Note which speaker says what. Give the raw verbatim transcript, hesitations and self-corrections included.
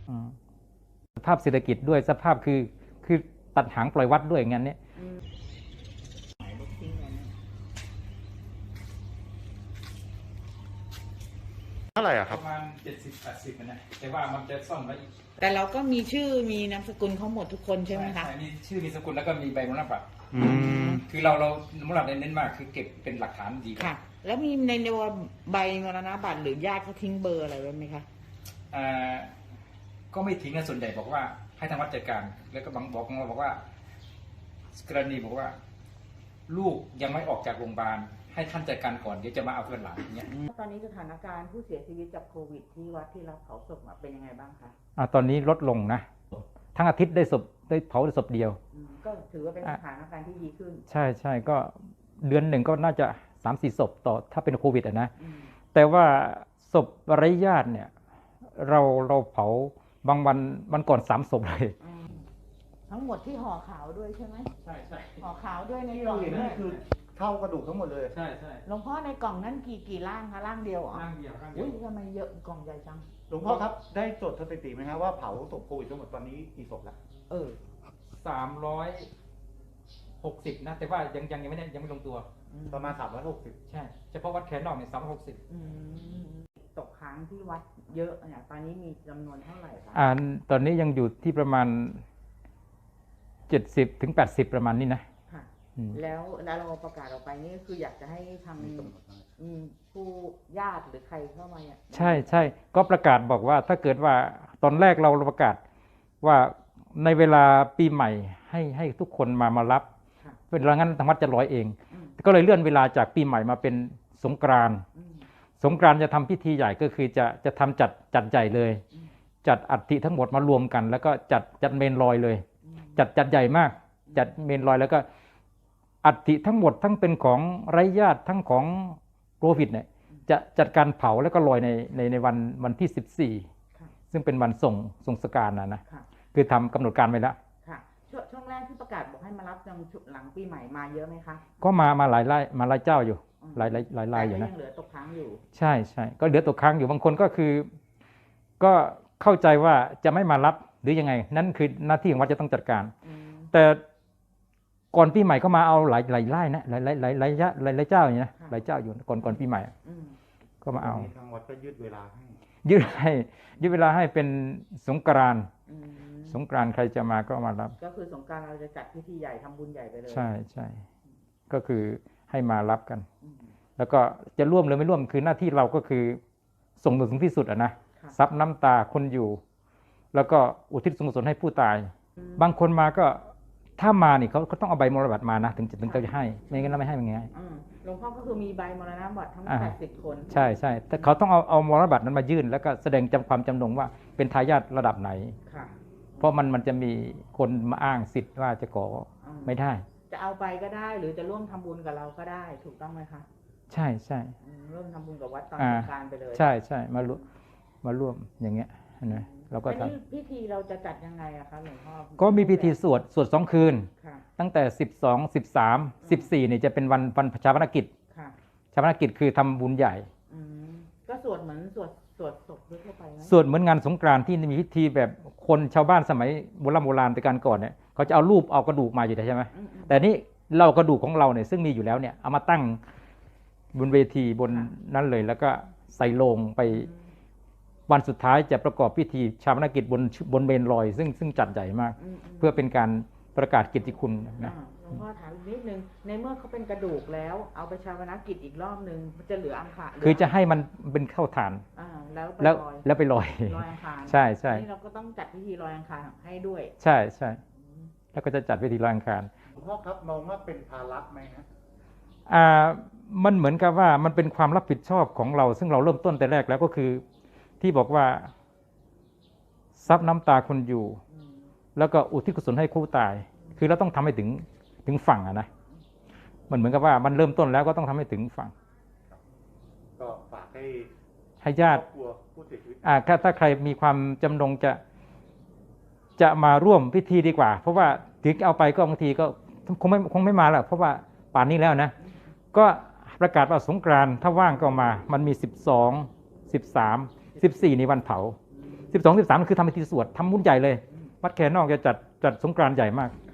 Speaker 1: สภาพเศรษฐกิจด้วยสภาพคือคือตัดหางปล่อยวัดด้วยงั้นเนี่ย
Speaker 2: เท่าไหร่อะค
Speaker 1: ป
Speaker 2: รับ
Speaker 1: ระมาณเจ็ดสิบแปดสิบนะแต่ว่ามันจะซ่อมแล้วอีก
Speaker 3: แต่เราก็มีชื่อมีนามสกุลเขาหมดทุกคนใช่ไหมคะ
Speaker 1: มีชื่อมีสกุลแล้วก็มีใบมรณบัตร
Speaker 2: อืม
Speaker 1: คือเราเรามรณบัตรเน้นมากคือเก็บเป็นหลักฐานดี
Speaker 3: ค่ะ แล้วมีในในใบมรณบัตรหรือญาติเขาทิ้งเบอร์อะไรไว้ไหมคะ
Speaker 1: อ่าก็ไม่ทิ้งนะส่วนใหญ่บอกว่าให้ทางวัดจัดการแล้วก็บางบอกมาบอกว่ากรณีบอกว่า ลูกยังไม่ออกจากโรงพยาบาลให้ท่านจัดการก่อนเดี๋ยวจะมาเอาเพื่อนหลังอย่างเงี้ย
Speaker 3: ตอนนี้สถานการณ์ผู้เสียชีวิตจากโควิดที่วัดที่รับเผาศพเป็นยังไงบ้างคะ
Speaker 1: อ่าตอนนี้ลดลงนะทั้งอาทิตย์ได้ศพได้เผาได้ศพเดียว
Speaker 3: ก็ถือว่าเป็นสถานการณ์ที่ดีขึ้น
Speaker 1: ใช่ใช่ก็เดือนหนึ่งก็น่าจะสามสี่ศพต่อถ้าเป็นโควิดอ่ะนะแต่ว่าศพไร้ญาติเนี่ยเราเราเผาบางวันวันก่อนสามศพเลย
Speaker 3: ทั้งหมดที่ห่อขาวด้วยใช่ไหม
Speaker 1: ใช่ใช่
Speaker 3: ห่อขาวด้วยใน
Speaker 2: ที่
Speaker 3: กล่
Speaker 2: เรา
Speaker 3: อง
Speaker 2: เห็น
Speaker 3: ด้ว
Speaker 2: นี่
Speaker 3: ย
Speaker 2: คือเท่ากระดูกทั้งหมดเลย
Speaker 1: ใช่ใช่
Speaker 3: หลวงพ่อในกล่องนั้นกี่กี่ร่างคะร่างเดียวเหรอ
Speaker 1: ร่างเดียวร่างเดีย
Speaker 3: อุ้
Speaker 1: วย
Speaker 3: ทำไมเยอะกล่องใหญ่จัง
Speaker 2: หลวงพ่อครับได้จดสถิติไหมครับว่าเผาศพโควิดทั้งหมดตอนนี้กี่ศพแล้ว
Speaker 3: เออ
Speaker 1: สามร้อยหกสิบนะแต่ว่ายังยังยังไม่ได้ยังไม่ลงตัว
Speaker 2: ประมาณสามร้อยหกสิบ
Speaker 1: ใช่เฉพาะวัดแขนนอกเนี่ยสามร้อยหกสิบ
Speaker 3: อืมตกค้างที่วัดเยอะเนี่ยตอนนี้มีจำนวนเท่าไหร่คะ
Speaker 1: อ่าตอนนี้ยังอยู่ที่ประมาณเจ็ดสิบถึงแปดสิบประมาณนี้นะ
Speaker 3: ค่ะ
Speaker 1: อืม
Speaker 3: แล้วแล้วเราประกาศออกไปนี่คืออยากจะให้ทาง
Speaker 2: มีกำหนดไหม
Speaker 3: อืมผู้ญาติหรือใครเข้ามาเนี่ย
Speaker 1: ใช่ใช่ก็ประกาศบอกว่าถ้าเกิดว่าตอนแรกเราประกาศว่าในเวลาปีใหม่ให้ให้ทุกคนมามารับ
Speaker 3: ค่ะ
Speaker 1: เวลางั้นทางวัดจะร้อยเอง
Speaker 3: อืม
Speaker 1: ก็เลยเลื่อนเวลาจากปีใหม่มาเป็นสงกรานต์
Speaker 3: อืม
Speaker 1: สงกรานต์จะทำพิธีใหญ่ก็คือจะจะทำจัดจัดใหญ่เลย
Speaker 3: อืม
Speaker 1: จัดอัฐิทั้งหมดมารวมกัน แล้วก็จัดจัดเมนลอยเลย
Speaker 3: อืม
Speaker 1: จัดจัดใหญ่มาก จัดเมนลอยแล้วก็อัฐิทั้งหมดทั้งเป็นของไร้ญาติทั้งของโควิดเนี่ยจะจัดการเผาแล้วก็ลอยในในในวันวันที่สิบสี่
Speaker 3: ค่ะ
Speaker 1: ซึ่งเป็นวันส่งส่งสการนะนะ
Speaker 3: ค่ะ
Speaker 1: คือทำกำหนดการไว้แล้ว
Speaker 3: ค่ะช่วงช่วงแรกที่ประกาศบอกให้มารับจังหลังปีใหม่มาเยอะไหมคะ
Speaker 1: ก็มามาหลายไล่มาหลายเจ้าอยู่
Speaker 3: อืม
Speaker 1: หลายหลายหลายรายอยู่
Speaker 3: แต่ก็
Speaker 1: นะ
Speaker 3: ยังเหลือตกค้างอยู่
Speaker 1: ใช่ใช่ก็เหลือตกค้างอยู่บางคนก็คือ ก็เข้าใจว่าจะไม่มารับหรือยังไง นั่นคือหน้าที่ของวัดจะต้องจัดการ
Speaker 3: อืม
Speaker 1: แต่ก่อนปีใหม่ก็มาเอาหลายหลายไร่นะหลายหลายหลายหลายหลายหลายเจ้าอย่างนี้นะหลายเจ้าอยู่ก่อนก่อนปีใหม่
Speaker 3: อืม
Speaker 1: ก็มาเอา
Speaker 2: ตนนี้ทางวัดก็ยืดเวลาให้
Speaker 1: ยืดให้ยืดเวลาให้เป็นสงกรานต์
Speaker 3: อืม
Speaker 1: สงกรานต์ใครจะมาก็มารับ
Speaker 3: ก็คือสงกรานต์เราจะจัดพิธีใหญ่ทำบุญใหญ่ไปเลย
Speaker 1: ใช่ใช่ก็คือให้มารับกัน
Speaker 3: อืม
Speaker 1: แล้วก็จะร่วมหรือไม่ร่วมคือหน้าที่เราก็คือส่งถึงที่สุดอะนะ
Speaker 3: ค่ะ
Speaker 1: ซับน้ำตาคนอยู่ แล้วก็อุทิศส่วนกุศลให้ผู้ตาย
Speaker 3: อืม
Speaker 1: บางคนมาก็ถ้ามานี่เขาเขาต้องเอาใบมรณบัตรมานะถึงจะถึงจะให้ไม่งั้นเราไม่ให้มันง่าย
Speaker 3: อืมหลวงพ่อก็คือมีใบมรณบัตรทั้ง
Speaker 1: อ่า
Speaker 3: แปดสิบคน
Speaker 1: ใช่ใช่แต่เขาต้องเอาเอามรณบัตรนั้นมายื่น แล้วก็แสดงจำความจำนงว่าเป็นทายาทระดับไหน
Speaker 3: ค่ะ
Speaker 1: เพราะมันมันจะมีคนมาอ้างสิทธิ์ว่าจะขอ
Speaker 3: อืม
Speaker 1: ไม่ได้
Speaker 3: จะเอาไปก็ได้ หรือจะร่วมทำบุญกับเราก็ได้ ถูกต้องไหมคะ
Speaker 1: ใช่ใช่
Speaker 3: อืมร่วมทำบุญกับวัดตอน
Speaker 1: อ่า
Speaker 3: สงกรานต์ไปเลย
Speaker 1: ใช่ใช่มาร่วมมาร่วมอย่างเงี้ยนะเราก็
Speaker 3: อัน
Speaker 1: ท
Speaker 3: นี้พิธีเราจะจัดยังไงอะคะหลวงพ่อ
Speaker 1: ำก็มีพิธีสวดสวดสองคืน
Speaker 3: ค่ะ
Speaker 1: ตั้งแต่สิบสอง สิบสาม สิบสี่เนี่ยจะเป็นวันวันชาปนกิจ
Speaker 3: ค่ะ
Speaker 1: ชาปนกิจคือทำบุญใหญ่
Speaker 3: อืมก็สวดเหมือนสวดสวดศพทั่วไปไหม
Speaker 1: สวดเหมือนงานสงกรานต์ที่มีพิธีแบบคนชาวบ้านสมัยโบราณโบราณแต่การก่อนเนี่ยเขาจะเอารูปเอากระดูกมาอยู่ใช่ไหม
Speaker 3: อืมอืม
Speaker 1: แต่นี่เรากระดูกของเราเนี่ยซึ่งมีอยู่แล้วเนี่ยเอามาตั้งบนเวทีบน
Speaker 3: ค่ะ
Speaker 1: นั้นเลย แล้วก็ใส่โลงไป
Speaker 3: อืม
Speaker 1: วันสุดท้ายจะประกอบพิธีชาปนกิจบนบนเมนลอย ซึ่งซึ่งจัดใหญ่มาก
Speaker 3: อืมม
Speaker 1: เพื่อเป็นการประกาศเกียรติคุณนะ
Speaker 3: อ่าหลวงพ่อถามอีกนิดนึง ในเมื่อเขาเป็นกระดูกแล้ว เอาไปชาปนกิจอีกรอบนึงมันจะเหลืออังคาร
Speaker 1: คือจะให้มันเป็นเข้าฐาน
Speaker 3: อ่าแล้วไป
Speaker 1: แล้ว
Speaker 3: ลอย
Speaker 1: แล้วไปลอย
Speaker 3: ลอยอังคาร
Speaker 1: ใช่ใช่
Speaker 3: นี่เราก็ต้องจัดพิธีลอยอังคารให้ด้วย
Speaker 1: ใช่ใช่
Speaker 3: อืม
Speaker 1: แล้วก็จะจัดพิธีลอยอังคาร
Speaker 2: หลวงพ่อครับมองว่าเป็นภาระไหมฮะ
Speaker 1: อ่ามันเหมือนกับว่ามันเป็นความรับผิดชอบของเรา ซึ่งเราเริ่มต้นแต่แรกแล้วก็คือที่บอกว่าซับน้ำตาคนอยู่
Speaker 3: อืม
Speaker 1: แล้วก็อุทิศกุศลให้คู่ตาย คือเราต้องทำให้ถึงถึงฝั่งอะนะมันเหมือนกับว่ามันเริ่มต้นแล้วก็ต้องทำให้ถึงฝั่ง
Speaker 2: ก็ฝากให้
Speaker 1: ให้ญา
Speaker 2: ครอ
Speaker 1: ติ
Speaker 2: บครัวผู้เสียชีวิต
Speaker 1: อ่าถ้าถ้าใครมีความจำนงจะจะมาร่วมพิธีดีกว่า เพราะว่าถึงเอาไปก็บางทีก็คงไม่คงไม่มาแล้วเพราะว่าป่านนี้แล้วนะ ก็ประกาศว่าสงกรานต์ถ้าว่างก็มา มันมีสิบสอง สิบสาม สิบสี่ในวันเผาสิบสอง สิบสามคือทำพิธีสวดทำบุญใหญ่เลย วัดแคนนอกจะจัดจัดสงกรานต์ใหญ่มาก